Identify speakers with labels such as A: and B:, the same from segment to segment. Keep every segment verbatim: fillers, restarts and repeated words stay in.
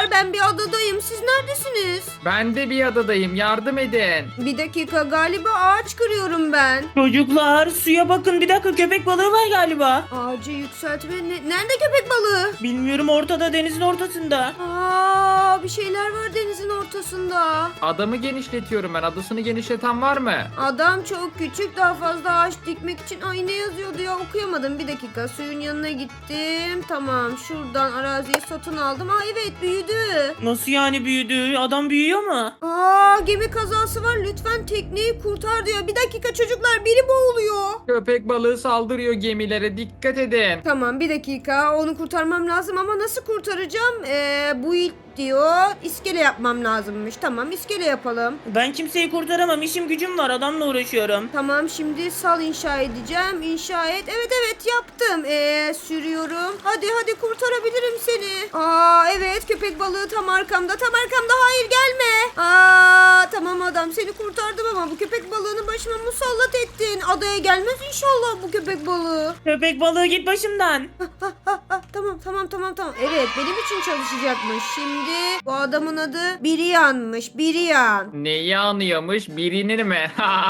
A: çocuklar, ben bir adadayım. Siz neredesiniz?
B: Ben de bir adadayım. Yardım edin.
A: Bir dakika, galiba ağaç kırıyorum ben.
C: Çocuklar suya bakın, bir dakika, köpek balığı var galiba.
A: Ağacı yükseltme. Ne- Nerede köpek balığı?
C: Bilmiyorum, ortada, denizin ortasında.
A: Aa, bir şeyler var denizin ortasında.
B: Adamı genişletiyorum ben. Adasını genişleten var mı?
A: Adam çok küçük, daha fazla ağaç dikmek için. Ay, ne yazıyordu ya, okuyamadım. Bir dakika, suyun yanına gittim. Tamam, şuradan araziyi satın aldım. Aa evet, büyüdü.
C: Nasıl yani büyüdü? Adam büyüyor mu?
A: Aa, gemi kazası var, lütfen tekneyi kurtar diyor. Bir dakika çocuklar, biri boğuluyor.
B: Köpek balığı saldırıyor gemilere. Dikkat edin.
A: Tamam, bir dakika, onu kurtarmam lazım ama nasıl kurtaracağım? Ee, bu ilk diyor, iskele yapmam lazımmış. Tamam, iskele yapalım.
C: Ben kimseyi kurtaramam, işim gücüm var, adamla uğraşıyorum.
A: Tamam, şimdi sal inşa edeceğim. İnşa et. Evet evet, yaptım. Ee, sürüyorum. Hadi hadi, kurtarabilirim seni. Aa evet, köpek balığı tam arkamda. Tam arkamda. Hayır, gelme. Aa tamam adam, seni kurtardım ama bu köpek balığını başıma musallat ettin. Adaya gelmez inşallah bu köpek balığı.
C: Köpek balığı git başımdan.
A: Ha, ha, ha, tamam tamam tamam tamam. Evet, benim için çalışacakmış. Şimdi bu adamın adı Biriyan'mış. Biriyan.
B: Neyi anıyormuş? Birini mi?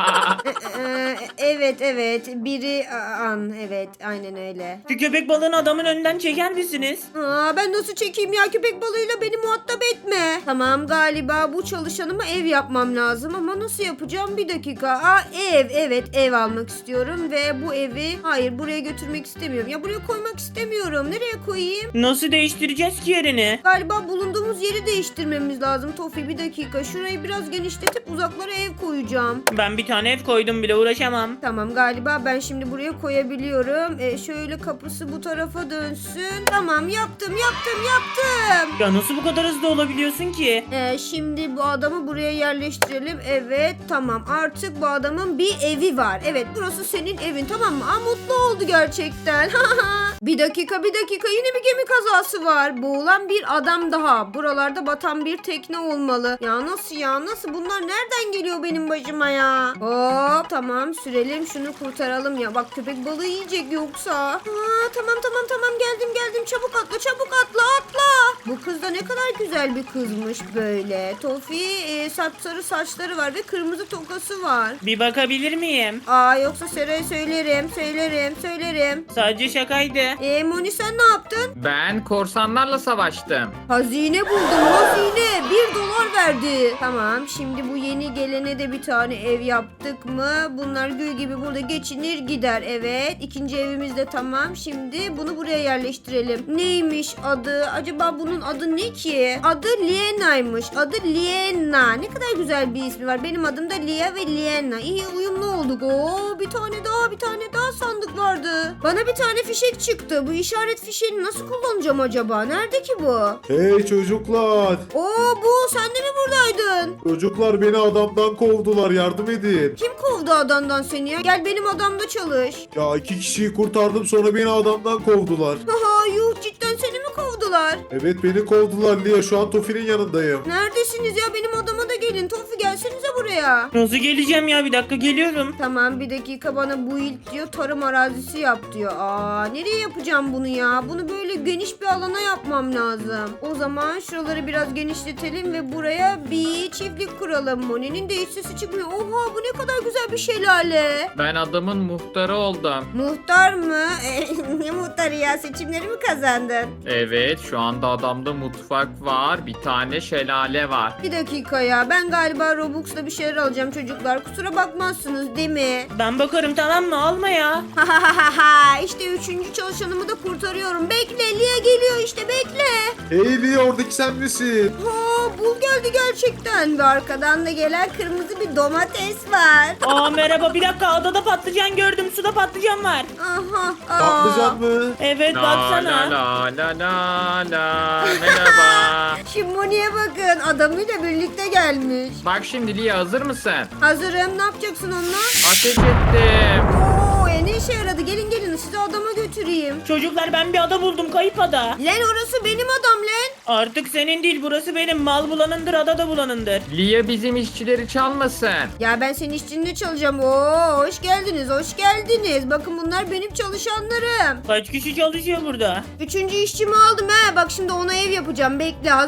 A: Ee, e, evet evet, biri an, evet aynen öyle.
C: Şu köpek balığını adamın önünden çeker misiniz?
A: Aa, ben nasıl çekeyim ya, köpek balığıyla beni muhatap etme. Tamam, galiba bu çalışanıma ev yapmam lazım ama nasıl yapacağım, bir dakika. Aa, ev, evet ev almak istiyorum ve bu evi, hayır buraya götürmek istemiyorum. Ya buraya koymak istemiyorum, nereye koyayım?
C: Nasıl değiştireceğiz ki yerini?
A: Galiba bulunduğumuz yeri değiştirmemiz lazım Tofi, bir dakika. Şurayı biraz genişletip uzaklara ev koyacağım.
C: Ben bir tane ev koydum bile, uğraşamam.
A: Tamam, galiba ben şimdi buraya koyabiliyorum. E, şöyle kapısı bu tarafa dönsün. Tamam, yaptım yaptım yaptım.
C: Ya nasıl bu kadar hızlı olabiliyorsun ki?
A: E, şimdi bu adamı buraya yerleştirelim. Evet tamam, artık bu adamın bir evi var. Evet, burası senin evin, tamam mı? Aa, mutlu oldu gerçekten. Bir dakika bir dakika, yine bir gemi kazası var. Boğulan bir adam daha. Buralarda batan bir tekne olmalı. Ya nasıl ya, nasıl, bunlar nereden geliyor benim başıma ya? Hop tamam, sürelim şunu, kurtaralım ya. Bak, köpek balığı yiyecek yoksa. Aa, tamam tamam tamam, geldim geldim, çabuk atla çabuk atla atla. Bu kız da ne kadar güzel bir kızmış böyle. Tofi e, sapsarı saçları var ve kırmızı tokası var.
C: Bir bakabilir miyim?
A: Aa, yoksa Sera'ya söylerim söylerim söylerim.
C: Sadece şakaydı.
A: E, Moni, sen ne yaptın?
B: Ben korsanlarla savaştım.
A: Hazine buldum, hazine. Bir dolar verdi. Tamam, şimdi bu yeni gelene de bir tane ev yaptık mı? Bunlar gül gibi burada geçinir gider. Evet, ikinci evimiz de tamam. Şimdi bunu buraya yerleştirelim. Neymiş adı? Acaba bunun adı ne ki? Adı Liena'ymış. Adı Liena. Ne kadar güzel bir ismi var. Benim adım da Lia ve Liena. İyi uyumlu olduk. Oo, bir tane daha bir tane daha sandık vardı. Bana bir tane fişek çıktı. Bu işaret fişeğini nasıl kullanacağım acaba? Nerede ki bu?
D: Hey çocuklar.
A: Oo, bu sen de mi buradaydın?
D: Çocuklar beni adamdan kovdular, yardım edin.
A: Kim kovdu adamdan seni ya? Gel benim adamda çalış.
D: Ya iki kişiyi kurtardım, sonra beni adamdan kovdular.
A: Haha, yuh, cidden seni mi kovdular?
D: Evet, beni kovdular Lia, şu an Tofi'nin yanındayım.
A: Neredesiniz ya? Benim adama da gelin. Tofi, gelsenize buraya.
C: Nasıl geleceğim ya, bir dakika geliyorum.
A: Tamam, bir dakika, bana bu ilk diyor tarım arazisi yap diyor. Aa, nereye yapacağım bunu ya? Bunu böyle geniş bir alana yapmam lazım. O zaman şuraları biraz genişletelim ve buraya bir çiftlik kuralım. Moni'nin de hiç sesi çıkmıyor. Oha, bu ne kadar güzel bir şelale.
B: Ben adamın muhtarı oldum.
A: Muhtar mı? Ne muhtarı ya? Seçimleri mi kazandın?
B: Evet, şu anda adamda mutfak var. Bir tane şelale var.
A: Bir dakika ya, ben galiba Robux'la bir şeyler alacağım çocuklar. Kusura bakmazsınız değil mi?
C: Ben bakarım, tamam mı? Alma ya.
A: Ha ha ha ha, işte üçüncü çalışanımı da kurtarıyorum. Bekle, Lia geliyor işte, bekle.
D: Hey Lia, oradaki sen misin?
A: Ha, bul geldi gerçekten. Ve arkadan da gelen kırmızı bir domates var.
C: Aa merhaba, bir dakika, adada patlıcan gördüm, suda patlıcan var.
A: Aha. aa.
D: Patlıcan mı?
C: Evet
B: La
C: baksana.
B: la la la la la. Merhaba.
A: Şu Moni'ye bakın, adamıyla birlikte gelmiş.
B: Bak şimdi Lia, hazır mısın?
A: Hazırım, ne yapacaksın onunla?
B: Ateş ettim.
A: Oo, e, ne işe yaradı? Gelin gelin, sizi adama götüreyim.
C: Çocuklar, ben bir ada buldum, kayıp ada.
A: Lan orası benim adam lan.
C: Artık senin değil, burası benim. Mal bulanındır, ada da bulanındır.
B: Lia bizim işçileri çalmasın.
A: Ya ben senin işçinde çalacağım. Oo, hoş geldiniz, hoş geldiniz. Bakın, bunlar benim çalışanlarım.
C: Kaç kişi çalışıyor burada?
A: Üçüncü işçimi aldım he. Bak şimdi ona ev yapacağım. Bekle, hazır mısın?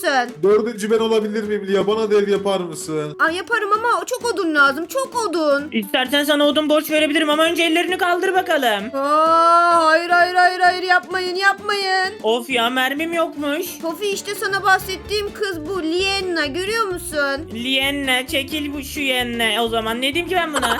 A: mısın?
D: Dördüncü ben olabilir miyim Lia? Bana da ev yapar mısın?
A: Ay yaparım ama çok odun lazım. Çok odun.
C: İstersen sana odun borç verebilirim ama önce ellerini kaldır bakalım.
A: Aa, hayır hayır hayır hayır yapmayın yapmayın.
C: Of ya, mermim yokmuş.
A: Tofi işte sana bahsettiğim kız bu Lienna, görüyor musun?
C: Lienne çekil bu şu yenne. O zaman ne diyeyim ki ben buna?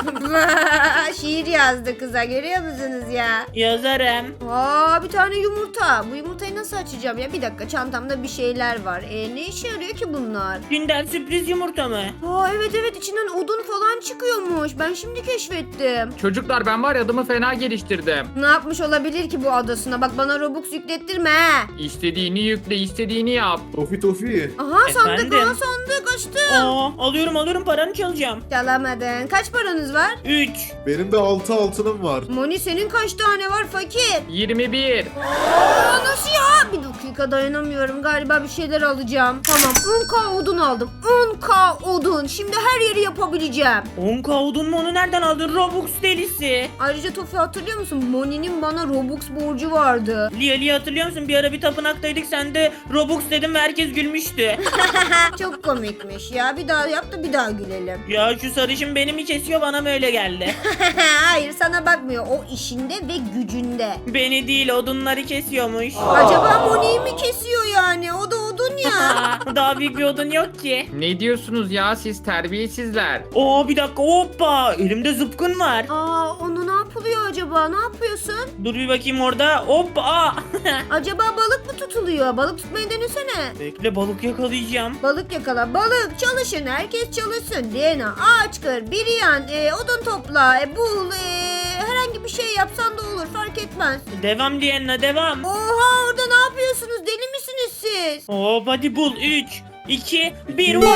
A: Şiir yazdı kıza, görüyor musunuz ya?
C: Yazarım.
A: Aa, bir tane yumurta. Bu yumurtayı nasıl açacağım ya? Bir dakika, çantamda bir şeyler var. E, ne işe yarıyor ki bunlar?
C: Günden sürpriz yumurta mı?
A: Aa, evet evet, içinden odun falan çıkıyormuş. Ben şimdi keşfettim.
B: Çocuklar ben var ya adımı fena geliştirdim.
A: Ne yapmış olabilir ki bu adasına? Bak bana Robux yüklettirme he.
B: İstediğini yükle, istediğini yap.
D: Tofi Tofi.
A: Aha sandık,
C: Efendim?
A: aha sandık açtım.
C: Aa, alıyorum alıyorum, paranı çalacağım.
A: Çalamadın. Kaç paranız var?
C: üç.
D: Benim de altı altınım var.
A: Moni senin kaç tane var fakir?
B: yirmi bir.
A: Aa, nasıl ya? Bir dakika, dayanamıyorum. Galiba bir şeyler alacağım. Tamam, on k odun aldım. on k odun. Şimdi her yeri yapabileceğim.
C: on k odun mu, onu nereden aldın? Robux delisi.
A: Ayrıca Tofi, hatırlıyor musun? Moni'nin bana Robux borcu vardı.
C: Lia Lia, hatırlıyor musun? Bir ara bir tapınaktaydık, sen de Robux dedim ve herkes gülmüştü.
A: Çok komikmiş ya. Bir daha yap da bir daha gülelim.
C: Ya şu sarışın beni mi kesiyor, bana mı öyle geldi?
A: Hayır, sana bakmıyor. O işinde ve gücünde.
C: Beni değil, odunları kesiyormuş.
A: Acaba Moni'yi mi kesiyor yani? O da odun ya.
C: Aa, daha büyük bir odun yok ki.
B: Ne diyorsunuz ya siz terbiyesizler?
C: Oo, bir dakika, hoppa, elimde zıpkın var.
A: Aa, onu ne yapılıyor acaba? Ne yapıyorsun?
C: Dur bir bakayım orada, hoppa. Aa.
A: Acaba balık mı tutuluyor? Balık tutmayı denesene.
C: Bekle, balık yakalayacağım.
A: Balık yakala. Balık çalışın. Herkes çalışsın. Diana ağaç kır. Biriyan e, odun topla. E, bul. E, herhangi bir şey yapsan da olur. Fark etmez.
C: Devam Lienna, devam.
A: Oha, orada ne yapıyorsunuz? Deli misiniz siz?
C: Hop, hadi bul. üç, iki, bir.
D: İki.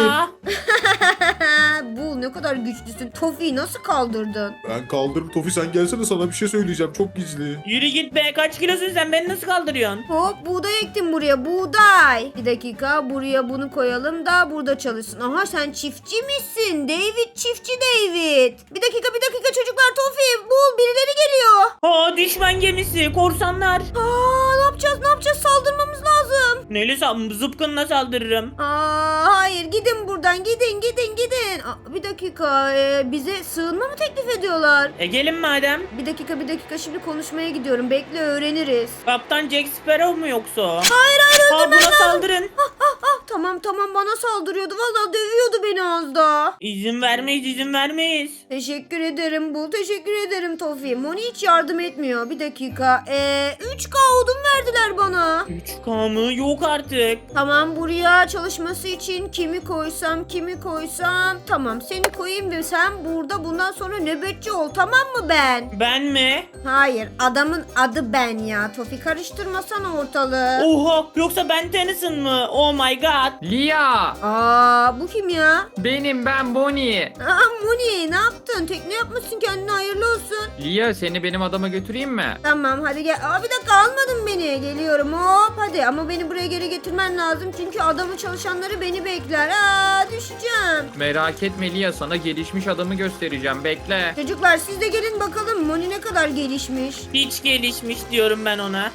A: Bul, ne kadar güçlüsün. Tofi'yi nasıl kaldırdın?
D: Ben kaldırım Tofi, sen gelsene, sana bir şey söyleyeceğim. Çok gizli.
C: Yürü git be, kaç kilosun sen, beni nasıl kaldırıyorsun?
A: Hop, buğday ektim buraya. Buğday. Bir dakika, buraya bunu koyalım da burada çalışsın. Aha, sen çiftçi misin? David, çiftçi David. Bir dakika bir dakika çocuklar, Tofi bul, birileri geliyor.
C: Aa, düşman gemisi, korsanlar.
A: Aa, ne yapacağız ne yapacağız, saldırmamız lazım.
C: Neyle sal- zıpkınla saldırırım.
A: Aa, hayır, gidin buradan, gidin gidin gidin. Aa, bir dakika, e, bize sığınma mı teklif ediyorlar?
C: E gelin madem.
A: Bir dakika bir dakika, şimdi konuşmaya gidiyorum, bekle, öğreniriz.
C: Kaptan Jack Sparrow mu yoksa o?
A: Hayır hayır,
C: Aa,
A: öldürmen
C: buna
A: lazım.
C: saldırın.
A: Ah, ah, ah, tamam tamam, bana saldırıyordu, vallahi dövüyordu beni az daha.
C: İzin vermeyiz, izin vermeyiz.
A: Teşekkür ederim Bul, teşekkür ederim Tofi. Moni hiç yardım etmiyor. Bir dakika. Ee, üç k odun verdiler bana.
C: üç k mı? Yok artık.
A: Tamam, buraya çalışması için kimi koysam kimi koysam. Tamam, seni koyayım ve sen burada bundan sonra nöbetçi ol, tamam mı ben?
C: Ben mi?
A: Hayır, adamın adı ben ya. Tofi, karıştırmasana ortalığı.
C: Oha, yoksa ben Tennyson mı? Oh my god.
B: Lia!
A: Aa, bu kim ya?
B: Benim ben Bonnie.
A: Aa, Moni, ne yaptın? Tekne yapmışsın kendine, hayırlı olsun.
B: Lia seni benim adama götüreyim mi?
A: Tamam, hadi gel. Aa, bir dakika, almadın beni. Geliyorum, hop hadi, ama beni buraya geri getirmen lazım. Çünkü adamı çalışanları beni bekler. Aa, düşeceğim.
B: Merak etme Lia sana gelişmiş adamı göstereceğim bekle.
A: Çocuklar, siz de gelin bakalım Moni ne kadar gelişmiş.
C: Hiç gelişmiş diyorum ben ona.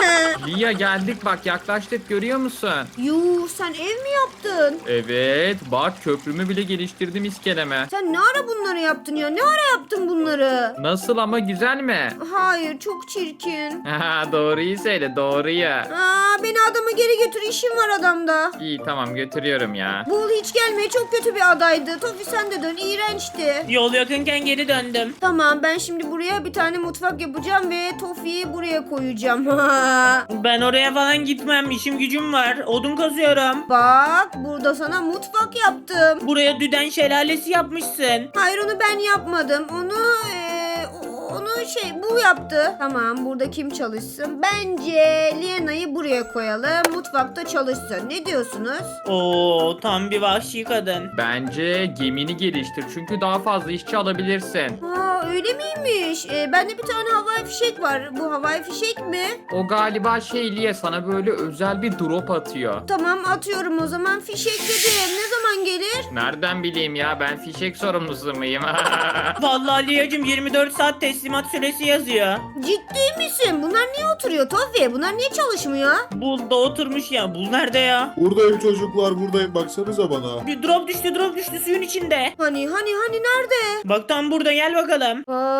B: Lia geldik bak yaklaştık görüyor musun?
A: Yuh, sen ev mi yaptın?
B: Evet bak köprümü bile geliştirdim iskeleme.
A: Sen ne ara bunları yaptın ya? Ne ara yaptın bunları?
B: Nasıl ama güzel mi?
A: Hayır, çok çirkin.
B: Haha doğruyu söyle doğruyu.
A: Aa, beni adama geri götür, işim var adamda.
B: İyi tamam götürüyorum ya.
A: Bul hiç gelmeye, çok kötü bir adaydı. Tofi, sen de dön, iğrençti.
C: Yol yakınken geri döndüm.
A: Tamam, ben şimdi buraya bir tane mutfak yapacağım ve Tofi'yi buraya koyacağım.
C: Ben oraya falan gitmem, işim gücüm var. Odun kazıyorum.
A: Bak, burada sana mutfak yaptım.
C: Buraya düden şelalesi yapmışsın.
A: Hayır, onu ben yapmadım. Onu eee, onu şey bu yaptı. Tamam, burada kim çalışsın? Bence Liena'yı buraya koyalım. Mutfakta çalışsın. Ne diyorsunuz?
C: Oo, tam bir vahşi kadın.
B: Bence gemini geliştir çünkü daha fazla işçi alabilirsin.
A: Aa, Aa öyle miymiş? Ee, bende bir tane havai fişek var. Bu havai fişek mi?
B: O galiba şey Lia, sana böyle özel bir drop atıyor.
A: Tamam atıyorum o zaman. Fişek dedim. Ne zaman gelir?
B: Nereden bileyim ya, ben fişek sorumlusu muyum?
C: Vallahi Liyacım yirmi dört saat teslimat süresi yazıyor.
A: Ciddi misin? Bunlar niye oturuyor Tofi? Bunlar niye çalışmıyor?
C: Bul da oturmuş ya. Bul nerede ya?
D: Buradayım çocuklar, buradayım, baksanıza bana.
C: Bir drop düştü drop düştü suyun içinde.
A: Hani hani hani nerede?
C: Bak tam burada gel bakalım.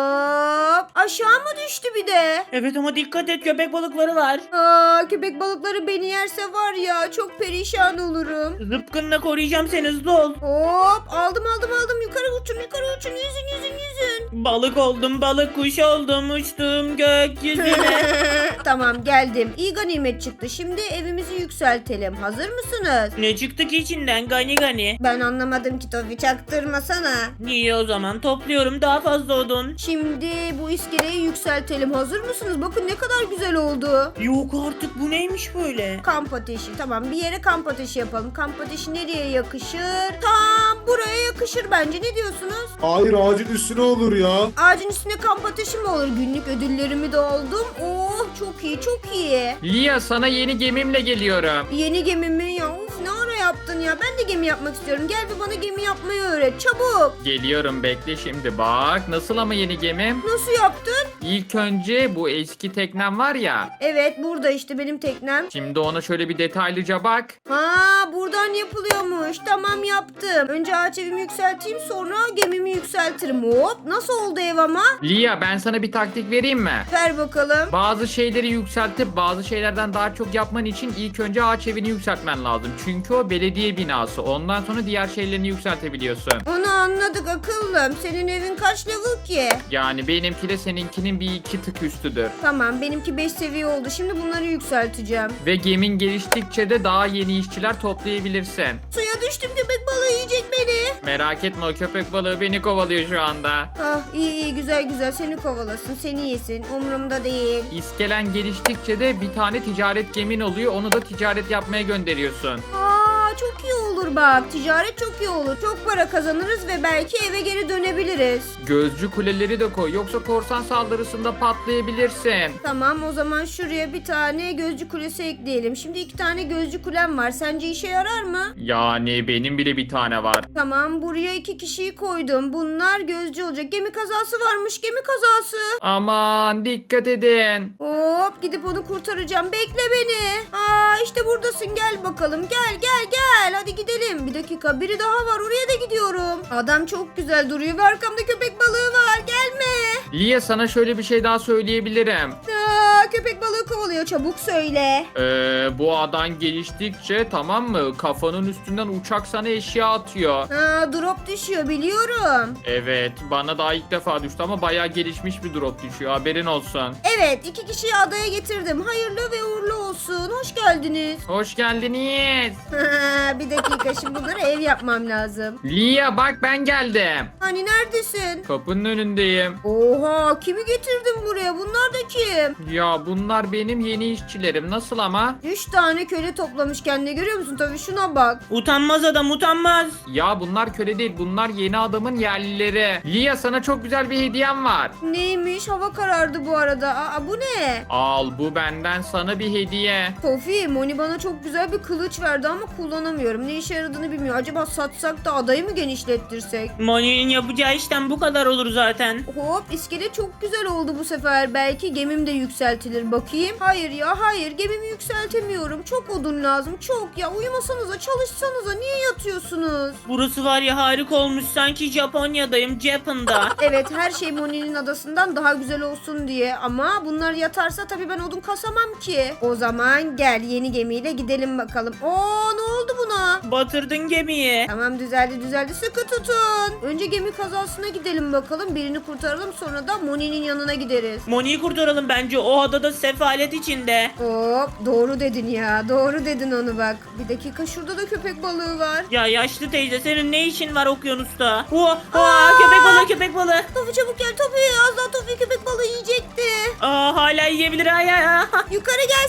A: Hop aşağı mı düştü bir de?
C: Evet ama dikkat et köpek balıkları var.
A: Aa köpek balıkları beni yerse var ya çok perişan olurum.
C: Zıpkınla koruyacağım seni, hızlı ol.
A: Hop aldım aldım aldım yukarı uçun yukarı uçun yüzün yüzün yüzün.
C: Balık oldum, balık kuş oldum, uçtum gökyüzüne.
A: Tamam geldim. İyi ganimet çıktı. Şimdi evimizi yükseltelim. Hazır mısınız?
C: Ne çıktı ki içinden gani gani?
A: Ben anlamadım ki Tofi çaktırmasana.
C: İyi o zaman topluyorum daha fazla odun.
A: Şimdi bu iskeleyi yükseltelim. Hazır mısınız? Bakın ne kadar güzel oldu.
C: Yok artık bu neymiş böyle?
A: Kamp ateşi. Tamam bir yere kamp ateşi yapalım. Kamp ateşi nereye yakışır? Tam buraya yakışır bence. Ne diyorsunuz?
D: Hayır, ağacın üstüne olur ya.
A: Ağacın üstüne kamp ateşi mi olur? Günlük ödüllerimi de aldım. Oh çok iyi çok iyi.
B: Lia, sana yeni gemimle geliyorum.
A: Yeni gemimi ya. Of ne ara yaptın ya? Ben de gemi yapmak istiyorum. Gel bir bana gemi yapmayı öğret. Çabuk.
B: Geliyorum, bekle şimdi. Bak nasıl ama yeni gemim.
A: Nasıl yaptın?
B: İlk önce bu eski teknem var ya.
A: Evet burada işte benim teknem.
B: Şimdi ona şöyle bir detaylıca bak.
A: Ha buradan yapılıyormuş. Tamam yaptım. Önce ağaç evimi yükselteyim sonra gemimi yükseltirim. Hop nasıl oldu ev ama?
B: Lia, ben sana bir taktik vereyim mi?
A: Ver bakalım.
B: Bazı şeyleri yükseltip bazı şeylerden daha çok yapman için ilk önce ağaç evini yükseltmen lazım. Çünkü o belediye binası. Ondan sonra diğer şeylerini yükseltebiliyorsun.
A: Onu anladık akıllım. Senin evin kaç level ki?
B: Yani benimki de seninkinin bir iki tık üstüdür.
A: Tamam benimki beş seviye oldu. Şimdi bunları yükselteceğim.
B: Ve gemin geliştikçe de daha yeni işçiler toplayabilirsin.
A: Suya düştüm köpek balığı yiyecek beni.
B: Merak etme, o köpek balığı beni kovalıyor şu anda.
A: Ah iyi iyi güzel güzel seni kovalasın seni yesin umurumda değil.
B: İskelen geliştikçe de bir tane ticaret gemin oluyor. Onu da ticaret yapmaya gönderiyorsun.
A: Aa çok iyi olur bak ticaret çok iyi olur. Çok para kazanırız ve belki eve geri dönebiliriz.
B: Gözcü kuleleri de koy. Yoksa korsan saldırısında patlayabilirsin.
A: Tamam o zaman şuraya bir tane gözcü kulesi ekleyelim. Şimdi iki tane gözcü kulem var. Sence işe yarar mı?
B: Yani benim bile bir tane var.
A: Tamam buraya iki kişiyi koydum. Bunlar gözcü olacak. Gemi kazası varmış gemi kazası.
B: Aman dikkat edin.
A: Hop gidip onu kurtaracağım. Bekle beni. Aa işte buradasın gel bakalım. Gel gel gel. Hadi gidelim. Bir dakika biri daha var. Oraya da gidiyorum. Adam çok güzel duruyor ve arkamda köpek balığı var. Gelme.
B: Lia, sana şöyle bir şey daha söyleyebilirim.
A: Aa, köpek balığı kovalıyor. Çabuk söyle.
B: Ee, bu adan geliştikçe, tamam mı, kafanın üstünden uçak sana eşya atıyor.
A: Aa, drop düşüyor biliyorum.
B: Evet, bana daha ilk defa düştü ama bayağı gelişmiş bir drop düşüyor, haberin olsun.
A: Evet iki kişiyi adaya getirdim. Hayırlı ve uğurlu olsun. Hoş geldiniz.
B: Hoş geldiniz.
A: Bir dakika şimdi bunlara ev yapmam lazım.
B: Lia bak, ben geldim.
A: Hani neredesin?
B: Kapının önündeyim.
A: Oha kimi getirdin buraya? Bunlar da kim?
B: Ya bunlar benim yeni işçilerim, nasıl ama?
A: Üç tane köle toplamış kendine görüyor musun? Tabii şuna bak.
C: Utanmaz adam utanmaz.
B: Ya bunlar köle değil, bunlar yeni adamın yerlileri. Lia, sana çok güzel bir hediyem var.
A: Neymiş? Hava karardı bu arada. Aa bu ne?
B: Al, bu benden sana bir hediye.
A: Tofi, Moni bana çok güzel bir kılıç verdi ama kullanamıyorum. Ne işe yaradığını bilmiyor. Acaba satsak da adayı mı genişlettirsek?
C: Moni'nin yapacağı işten bu kadar olur zaten.
A: Hop iskele çok güzel oldu bu sefer. Belki gemim de yükseltilir. Bakayım. Hayır ya hayır. Gemimi yükseltemiyorum. Çok odun lazım. Çok ya. Uyumasanıza çalışsanıza. Niye yatıyorsunuz?
C: Burası var ya harika olmuş, sanki Japonya'dayım, Japan'da.
A: Evet her şey Moni'nin adasından daha güzel olsun diye. Ama bunlar yatarsa tabii ben odun kasamam ki. O zaman gel yeni gemiyle gidelim bakalım. Oo ne oldu buna?
C: Batırdın gemiyi.
A: Tamam düzeldi düzeldi sıkı tutun. Önce gemi kazasına gidelim bakalım. Birini kurtaralım sonra da Moni'nin yanına gideriz.
C: Moni'yi kurtaralım bence, o adada sefalet içinde.
A: Hop doğru dedin ya doğru dedin onu bak. Bir dakika şurada da köpek balığı var.
C: Ya yaşlı teyze, senin ne işin var okyanusta? Oha, oha köpek balığı köpek balığı.
A: Tofi çabuk gel Tofi az daha Tofi köpek balığı yiyecekti.
C: Aa, hala yiyebilir ay ay ay.
A: Yukarı gelsene.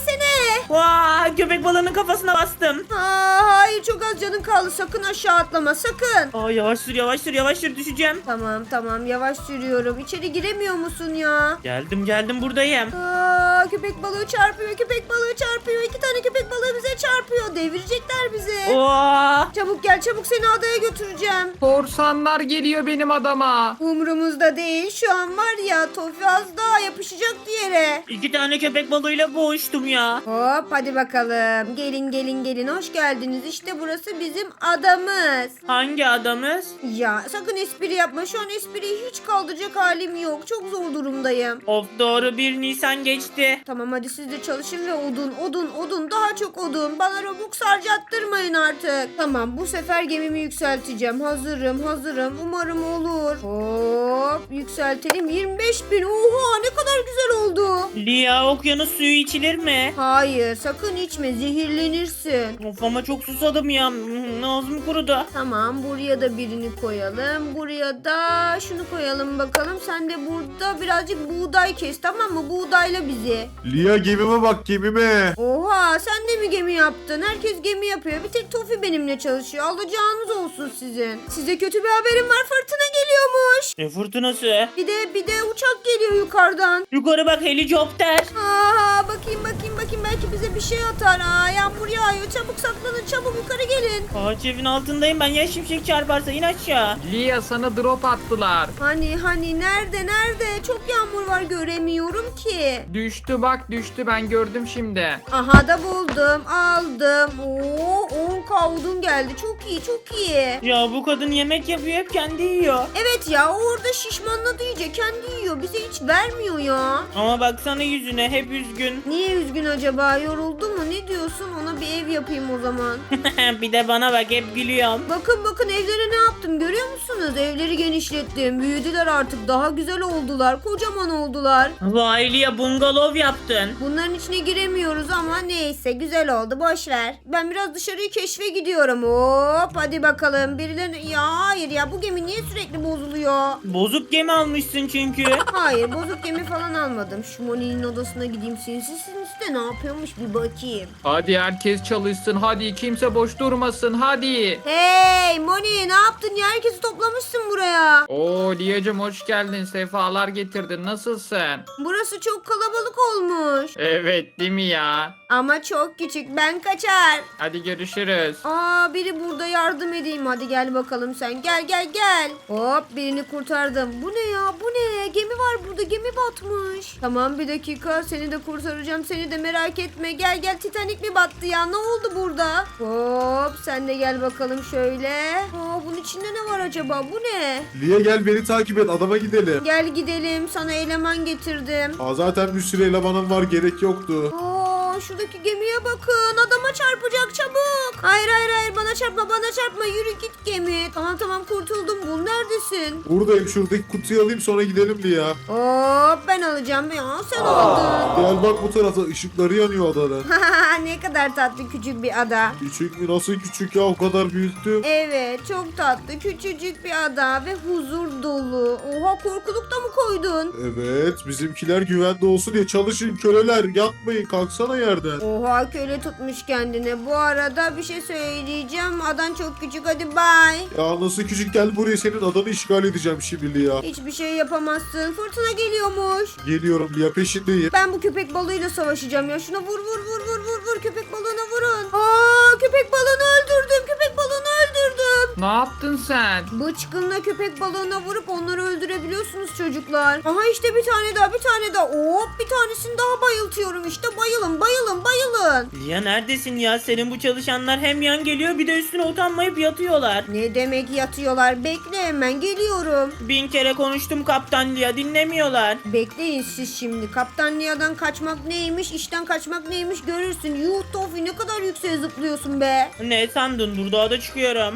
C: Vaa, köpek balığının kafasına bastım.
A: Aa, hayır çok az canın kaldı. Sakın aşağı atlama sakın.
C: Aa, yavaş sür yavaş sür yavaş sür, düşeceğim.
A: Tamam tamam yavaş sürüyorum. İçeri giremiyor musun ya?
C: Geldim geldim, buradayım.
A: Aa, köpek balığı çarpıyor. Köpek balığı çarpıyor. İki tane köpek balığı bize çarpıyor. Devirecekler bizi.
C: Oha.
A: Çabuk gel çabuk seni adaya götüreceğim.
B: Korsanlar geliyor benim adama.
A: Umurumuzda değil. Şu an var ya Tofi az daha yapışacak yere.
C: İki tane köpek balığıyla boğuştum ya.
A: Hop hadi bakalım. Gelin gelin gelin. Hoş geldiniz. İşte burası bizim adamız.
C: Hangi adamız?
A: Ya sakın espri yapma. Şu an espriyi hiç kaldıracak halim yok. Çok zor durumdayım.
C: Of, doğru, bir Nisan geçti.
A: Tamam hadi siz de çalışın ve odun odun odun daha çok odun. Bana robux harcattırmayın artık. Tamam bu sefer gemimi yükselteceğim. Hazırım hazırım. Umarım olur. Hop yükseltelim. yirmi beş bin. Oha ne kadar güzel oldu.
C: Lia, okyanus suyu içilir mi?
A: Hayır sakın içme zehirlenirsin.
C: Of, ama çok susadım ya. Ağzım kurudu.
A: Tamam buraya da birini koyalım. Buraya da şunu koyalım bakalım. Sen de burada birazcık buğday kes tamam mı? Buğdayla bizi.
D: Lia gemime bak gemime.
A: Oha sen de mi gemi yaptın? Herkes gemi yapıyor. Bir tek Tofi benimle çalışıyor. Alacağınız olsun sizin. Size kötü bir haberim var. Fırtına geliyormuş.
C: Ne fırtınası?
A: Bir de bir de uçak geliyor yukarıdan.
C: Yukarı bak, helikopter.
A: Aa bakayım bakayım bakayım belki bize bir şey atar. Aa yağmur yağıyor. Çabuk saklanın. Çabuk yukarı gelin.
C: Ağaç evin altındayım ben, ya şimşek çarparsa in aşağı.
B: Lia sana drop attılar.
A: Hani hani nerede nerede? Çok yağmur var göremiyorum ki.
B: Düştü bak düştü ben gördüm şimdi.
A: Aha da buldum. Aldım. Oo on ka odun geldi. Çok iyi çok iyi.
C: Ya bu kadın yemek yapıyor, hep kendi yiyor.
A: Evet ya o orada şişmanladı iyice. Kendi yiyor. Bize hiç vermiyor ya.
C: Ama baksana yüzüne, hep üzgün.
A: Niye üzgün acaba? Yoruldu mu? Ne diyorsun? Ona bir ev yapayım o zaman.
C: Bir de bana bak, hep gülüyorum.
A: Bakın bakın evlere ne yaptım görüyor musunuz? Evleri genişlettim. Büyüdüler artık. Daha güzel oldular. Kocaman oldular.
C: Vay Lia, bungalov yaptın.
A: Bunların içine giremiyoruz ama neyse güzel oldu. Boş ver. Ben biraz dışarıyı keşfe gidiyorum. Hop hadi bakalım. Birilerine... Ya hayır ya bu gemi niye sürekli bozuluyor?
C: Bozuk gemi almışsın çünkü.
A: Hayır bozuk gemi falan almadım. Şu Moni'nin odasına gideyim. Sinsi sinsi de ne yapıyormuş bir bakayım.
B: Hadi herkes çalışsın hadi kimse boş durmasın hadi.
A: Hey Moni ne yaptın ya? Herkesi toplamışsın buraya.
B: Oo Lia'cığım hoş geldin sefalar getirdin nasılsın?
A: Burası çok kalabalık olmuş.
B: Evet değil mi ya?
A: Ama çok küçük. Ben kaçar.
B: Hadi görüşürüz.
A: Aa biri burada yardım edeyim. Hadi gel bakalım sen. Gel gel gel. Hop birini kurtardım. Bu ne ya? Bu ne? Gemi var burada. Gemi batmış. Tamam bir dakika. Seni de kurtaracağım. Seni de merak etme. Gel gel. Titanic mi battı ya? Ne oldu burada? Hop sen de gel bakalım şöyle. Aa bunun içinde ne var acaba? Bu ne?
D: Lia gel beni takip et adama gidelim.
A: Gel gidelim. Sana eleman getirdim.
D: Aa, zaten bir sürü elemanım var gerek yoktu.
A: Aa şuradaki gemiye bakın. Adama çarpacak çabuk. Hayır hayır hayır bana çarpma bana çarpma. Yürü git gemi. Tamam tamam kurtuldum. Bul neredesin?
D: Buradayım şuradaki kutuyu alayım sonra gidelim Lia.
A: Hop ben alacağım ya sen aldın.
D: Gel bak bu tarafta ışıkları yanıyor adanın.
A: Ne kadar tatlı küçük bir ada.
D: Küçük mü nasıl küçük ya o kadar büyüttüm.
A: Evet çok tatlı küçücük bir ada ve huzur dolu. Oha korkuluk da mı koydun?
D: Evet bizimkiler güvende olsun diye çalışın köleler yatmayın kalksana yerden.
A: Oha köle tutmuş kendine. Bu arada bir şey söyleyeceğim. Adan çok küçük hadi bye.
D: Ya nasıl küçük gel buraya senin adanı işgal edeceğim şimdi Lia.
A: Hiçbir şey yapamazsın. Fırtına geliyormuş.
D: Geliyorum Lia peşindeyim.
A: Ben bu köpek balığıyla savaşacağım ya. Şuna vur vur vur vur vur vur köpek balığına vurun. Aa köpek balığını öldürdüm. Köpek balığını öldürdüm.
B: Ne yaptın sen?
A: Bıçkınla köpek balığına vurup onları öldürebiliyorsunuz çocuklar. Aha işte bir tane daha bir tane daha. Hop bir tanesini daha bayıltıyorum işte. Bayılın bayılın bayılın.
C: Lia neredesin ya? Senin bu çalışanlar hem yan geliyor, bir de üstüne utanmayıp yatıyorlar.
A: Ne demek yatıyorlar? Bekle hemen geliyorum.
C: Bin kere konuştum kaptan Lia, dinlemiyorlar.
A: Bekleyin siz şimdi. Kaptan Nia'dan kaçmak neymiş, işten kaçmak neymiş görürsün. Yuh Tofi ne kadar yükseğe zıplıyorsun be.
C: Ne sandın? Dur, daha da çıkıyorum. Yeni çalışanlar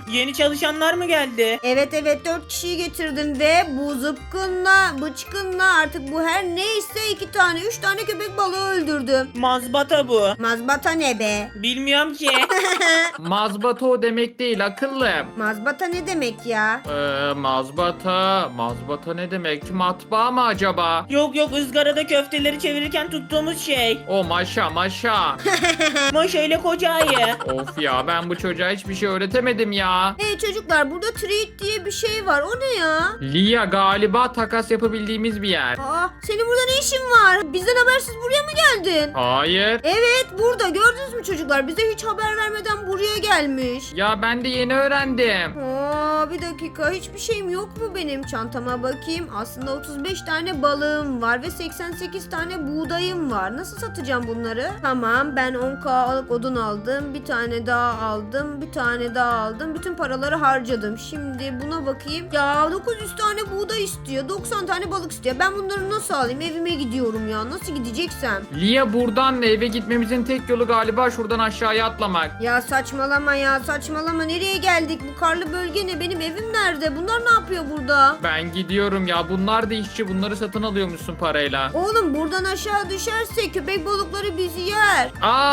C: çalışanlar mı geldi?
A: Evet evet dört kişiyi getirdim ve bu zıpkınla bıçkınla artık bu her neyse iki tane üç tane köpek balığı öldürdüm.
C: Mazbata bu.
A: Mazbata ne be?
C: Bilmiyorum ki.
B: Mazbata o demek değil akıllım.
A: Mazbata ne demek ya?
B: Ee, mazbata. Mazbata ne demek? Matbaa mı acaba?
C: Yok yok, ızgarada köfteleri çevirirken tuttuğumuz şey.
B: O maşa maşa.
C: Maşa ile koca ayı.
B: Of ya ben bu çocuğa hiçbir şey öğretemedim ya.
A: Hey çocuklar burada treat diye bir şey var. O ne ya?
B: Lia galiba takas yapabildiğimiz bir yer.
A: Aa, senin burada ne işin var? Bizden habersiz buraya mı geldin?
B: Hayır.
A: Evet burada gördünüz mü çocuklar? Bize hiç haber vermeden buraya gelmiş.
B: Ya ben de yeni öğrendim.
A: Aa, bir dakika hiçbir şeyim yok mu benim çantama bakayım. Aslında otuz beş tane balığım var ve seksen sekiz tane buğdayım var. Nasıl satacağım bunları? Tamam ben on kalık odun aldım. Bir tane daha aldım. Bir tane daha aldım. Bütün paraları harcadım. Şimdi buna bakayım. Ya dokuz yüz tane buğday istiyor. doksan tane balık istiyor. Ben bunları nasıl alayım? Evime gidiyorum ya. Nasıl gideceksem?
B: Lia buradan eve gitmemizin tek yolu galiba şuradan aşağıya atlamak.
A: Ya saçmalama ya saçmalama. Nereye geldik? Bu karlı bölge ne? Benim evim nerede? Bunlar ne yapıyor burada?
B: Ben gidiyorum ya bunlar da işçi bunları satın alıyormuşsun parayla.
A: Oğlum buradan aşağı düşerse köpek balıkları bizi yer.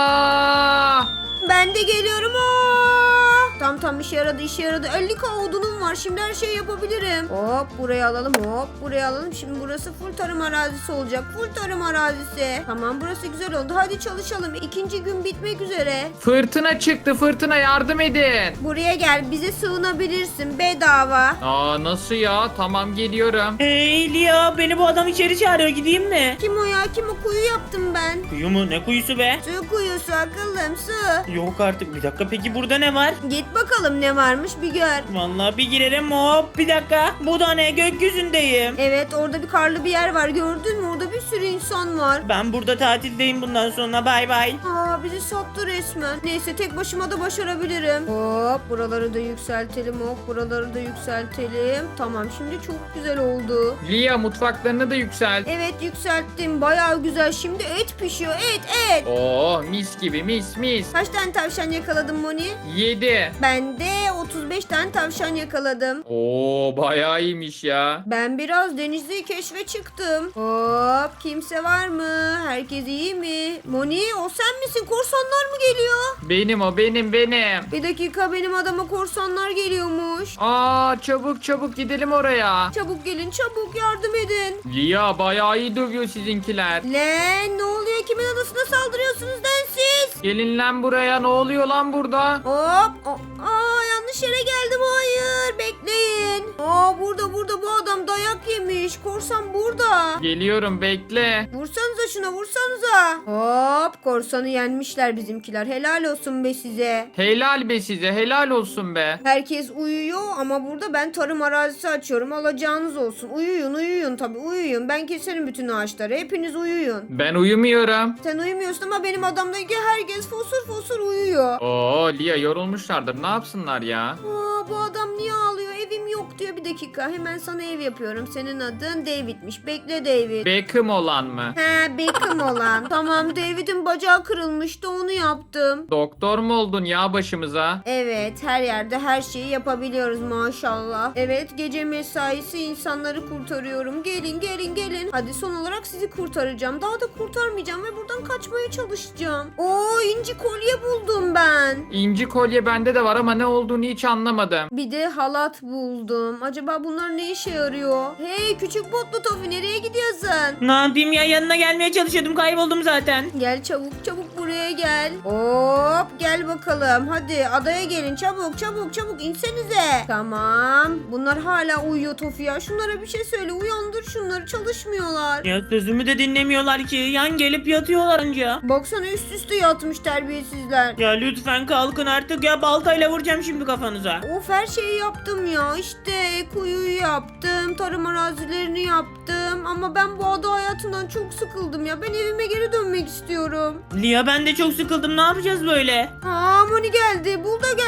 B: Aa!
A: Ben de geliyorum. Aa! Tam tam işe yaradı işe yaradı. elli k odunum var. Şimdi her şeyi yapabilirim. Hop buraya alalım hop buraya alalım. Şimdi burası full tarım arazisi olacak. Full tarım arazisi. Tamam burası güzel oldu. Hadi çalışalım. İkinci gün bitmek üzere.
B: Fırtına çıktı fırtına yardım edin.
A: Buraya gel bize sığınabilirsin bedava.
B: Aa nasıl ya? Tamam geliyorum.
C: Hey Lia, beni bu adam içeri çağırıyor, gideyim mi?
A: Kim o ya kim o kuyu yaptım ben.
C: Kuyu mu? Ne kuyusu be?
A: Su kuyusu akıllım su.
C: Yok artık, bir dakika, peki burada ne var?
A: Git bakalım ne varmış bir gör.
C: Vallahi bir girerim, hop bir dakika. Bu da ne? Gökyüzündeyim.
A: Evet orada bir karlı bir yer var gördün mü? Orada bir sürü insan var.
C: Ben burada tatildeyim bundan sonra, bay bay.
A: Aa bizi sattı resmen. Neyse tek başıma da başarabilirim. Hop buraları da yükseltelim hop buraları da yükseltelim. Tamam şimdi çok güzel oldu.
B: Lia mutfaklarını da yükselt.
A: Evet yükselttim bayağı güzel. Şimdi et pişiyor et et.
B: Oo mis gibi mis mis.
A: Kaç tane tavşan yakaladım Moni?
B: Yedi.
A: Ben de otuz beş tane tavşan yakaladım.
B: Oo bayağı iyiymiş ya.
A: Ben biraz denizli keşfe çıktım. Hop kimse var mı? Herkes iyi mi? Moni o sen misin? Korsanlar mı geliyor?
B: Benim o benim benim.
A: Bir dakika benim adama korsanlar geliyormuş.
B: Aa çabuk çabuk gidelim oraya.
A: Çabuk gelin çabuk yardım edin.
B: Lia bayağı iyi dövüyor sizinkiler.
A: Lan ne oluyor? Kimin adasına saldırıyorsunuz lan siz?
B: Gelin lan buraya ne oluyor lan burada?
A: Hop. o- Aa yanlış yere geldim. Hayır bekleyin. Aa burada burada bu adam dayak yemiş. Korsan burada.
B: Geliyorum bekle.
A: Vursanıza şuna vursanıza. Hop korsanı yenmişler bizimkiler. Helal olsun be size.
B: Helal be size helal olsun be.
A: Herkes uyuyor ama burada ben tarım arazisi açıyorum. Alacağınız olsun. Uyuyun uyuyun tabii uyuyun. Ben keserim bütün ağaçları. Hepiniz uyuyun.
B: Ben uyumuyorum.
A: Sen uyumuyorsun ama benim adamdaki herkes fosur fosur uyuyor.
B: Oo Lia yorulmuşlardır ne yapsınlar ya?
A: Aa, bu adam niye ağlıyor? Evim yok diyor. Bir dakika hemen sana ev yapıyorum. Senin adın David'miş. Bekle David.
B: Beckham olan mı?
A: He Beckham olan. Tamam David'in bacağı kırılmıştı onu yaptım.
B: Doktor mu oldun ya başımıza?
A: Evet her yerde her şeyi yapabiliyoruz maşallah. Evet gece mesaisi insanları kurtarıyorum. Gelin gelin gelin. Hadi son olarak sizi kurtaracağım. Daha da kurtarmayacağım ve buradan kaçmaya çalışacağım. Oo inci kolye buldum ben.
B: İnci kolye bende de var ama ne olduğunu hiç anlamadım.
A: Bir de halat buldum. Acaba bunlar ne işe yarıyor? Hey küçük botlu Tofi nereye gidiyorsun?
C: Ne yapayım ya, yanına gelmeye çalışıyordum, kayboldum zaten.
A: Gel çabuk çabuk buraya gel. Hop gel bakalım. Hadi adaya gelin çabuk çabuk çabuk insenize. Tamam. Bunlar hala uyuyor Tofi ya. Şunlara bir şey söyle uyandır şunları çalışmıyorlar.
C: Ya sözümü de dinlemiyorlar ki, yan gelip yatıyorlar anca.
A: Baksana üst üste yatmış terbiyesizler.
C: Ya lütfen kalkın artık ya, baltayla vuracağım şimdi kafanıza.
A: Of her şeyi yaptım ya. İşte kuyuyu yaptım. Tarım arazilerini yaptım. Ama ben bu ada hayatından çok sıkıldım ya. Ben evime geri dönmek istiyorum.
C: Lia ben de çok sıkıldım, ne yapacağız böyle?
A: Aa Moni geldi. Bul da geldi.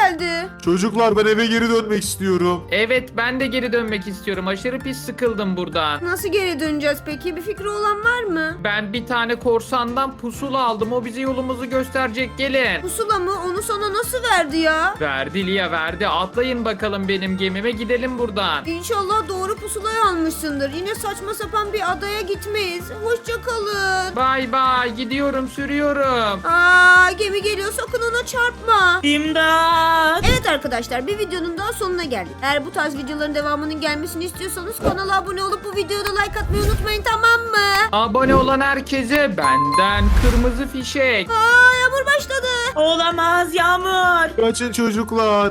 A: geldi.
D: Çocuklar ben eve geri dönmek istiyorum.
B: Evet ben de geri dönmek istiyorum. Aşırı pis sıkıldım buradan.
A: Nasıl geri döneceğiz peki? Bir fikri olan var mı?
B: Ben bir tane korsandan pusula aldım. O bize yolumuzu gösterecek. Gelin.
A: Pusula mı? Onu sana nasıl verdi ya?
B: Verdi Lia verdi. Atlayın bakalım benim gemime gidelim buradan.
A: İnşallah doğru pusulayı almışsındır. Yine saçma sapan bir adaya gitmeyiz. Hoşça kalın.
B: Bay bay gidiyorum sürüyorum.
A: Aa, gemi geliyor, sakın ona çarpma.
C: İmdat.
A: Evet arkadaşlar, bir videonun daha sonuna geldik. Eğer bu tarz videoların devamının gelmesini istiyorsanız kanala abone olup bu videoda like atmayı unutmayın, tamam mı?
B: Abone olan herkese benden kırmızı fişek.
A: Aa, yağmur başladı.
C: Olamaz Yağmur.
D: Kaçın çocuklar.